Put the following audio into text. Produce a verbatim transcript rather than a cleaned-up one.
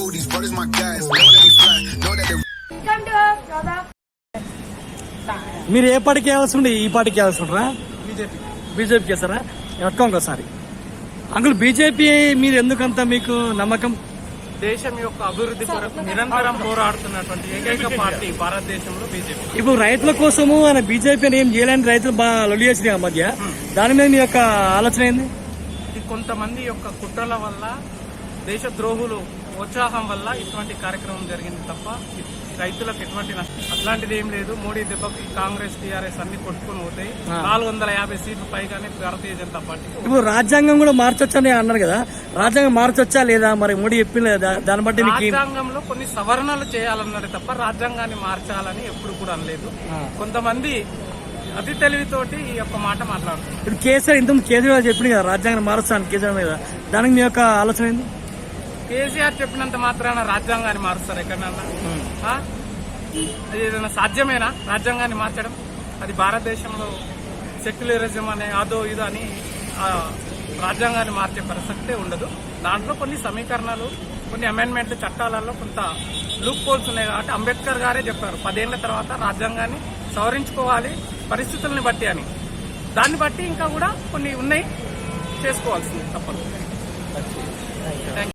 these brothers my guys. Know that we fly, know that they. మీరు ఏ పార్టీకి వేయాల్సి ఉండే ఈ పార్టీకి వేయాల్సి ఉండరా? బీజేపీ బీజేపీకి వేస్తారా? ఎట్టుకో ఒకసారి అంకుల్ బీజేపీ మీరు ఎందుకంత మీకు నమ్మకం? దేశం యొక్క అభివృద్ధి కొరకు నిరంతరం పోరాడుతున్నటువంటి ఏకైక పార్టీ భారతదేశంలో బీజేపీ. ఇప్పుడు రైతుల కోసము ఆయన బీజేపీ అని ఏం చేయలేని రైతులు బాగా లొల్లి చేసినాయి ఆ మధ్య. దాని మీద మీ యొక్క ఆలోచన ఏంది? ఇది కొంతమంది యొక్క కుట్రల వల్ల, దేశ ద్రోహులు ఉత్సాహం వల్ల ఇటువంటి కార్యక్రమం జరిగింది తప్ప రైతులకు ఎటువంటి నష్టం అట్లాంటిది ఏం లేదు. మోడీ దెబ్బకి కాంగ్రెస్ టీఆర్ఎస్ అన్ని కొట్టుకుని పోతాయి. నాలుగు వందల యాభై సీట్లు పైగానే భారతీయ జనతా పార్టీ. ఇప్పుడు రాజ్యాంగం కూడా మార్చొచ్చని అన్నారు కదా, రాజ్యాంగం మార్చొచ్చా లేదా? మరి మోడీ చెప్పింది దాన్ని బట్టి రాజ్యాంగంలో కొన్ని సవరణలు చేయాలన్నది తప్ప రాజ్యాంగాన్ని మార్చాలని ఎప్పుడు కూడా అనలేదు. కొంతమంది అతి తెలివితోటి ఈ యొక్క మాట మాట్లాడుతున్నారు. ఇప్పుడు కేసీఆర్ ఇంతకుముందు కేజ్రీవాల్ చెప్పింది కదా రాజ్యాంగం మారుస్తాను కేసీఆర్ మీద, దానికి మీ యొక్క ఆలోచన ఏంది? కేసీఆర్ చెప్పినంత మాత్రాన రాజ్యాంగాన్ని మారుస్తారు ఎక్కడన్నా? ఏదైనా సాధ్యమేనా రాజ్యాంగాన్ని మార్చడం? అది భారతదేశంలో సెక్యులరిజం అనే అదో ఇదో అని రాజ్యాంగాన్ని మార్చే ప్రసక్తే ఉండదు. దాంట్లో కొన్ని సమీకరణాలు, కొన్ని అమెండ్మెంట్లు, చట్టాలలో కొంత లూప్ హోల్స్ ఉన్నాయి కాబట్టి అంబేద్కర్ గారే చెప్పారు పదేళ్ల తర్వాత రాజ్యాంగాన్ని సవరించుకోవాలి పరిస్థితుల్ని బట్టి అని. దాన్ని బట్టి ఇంకా కూడా కొన్ని ఉన్నాయి, చేసుకోవాల్సింది తప్పదు.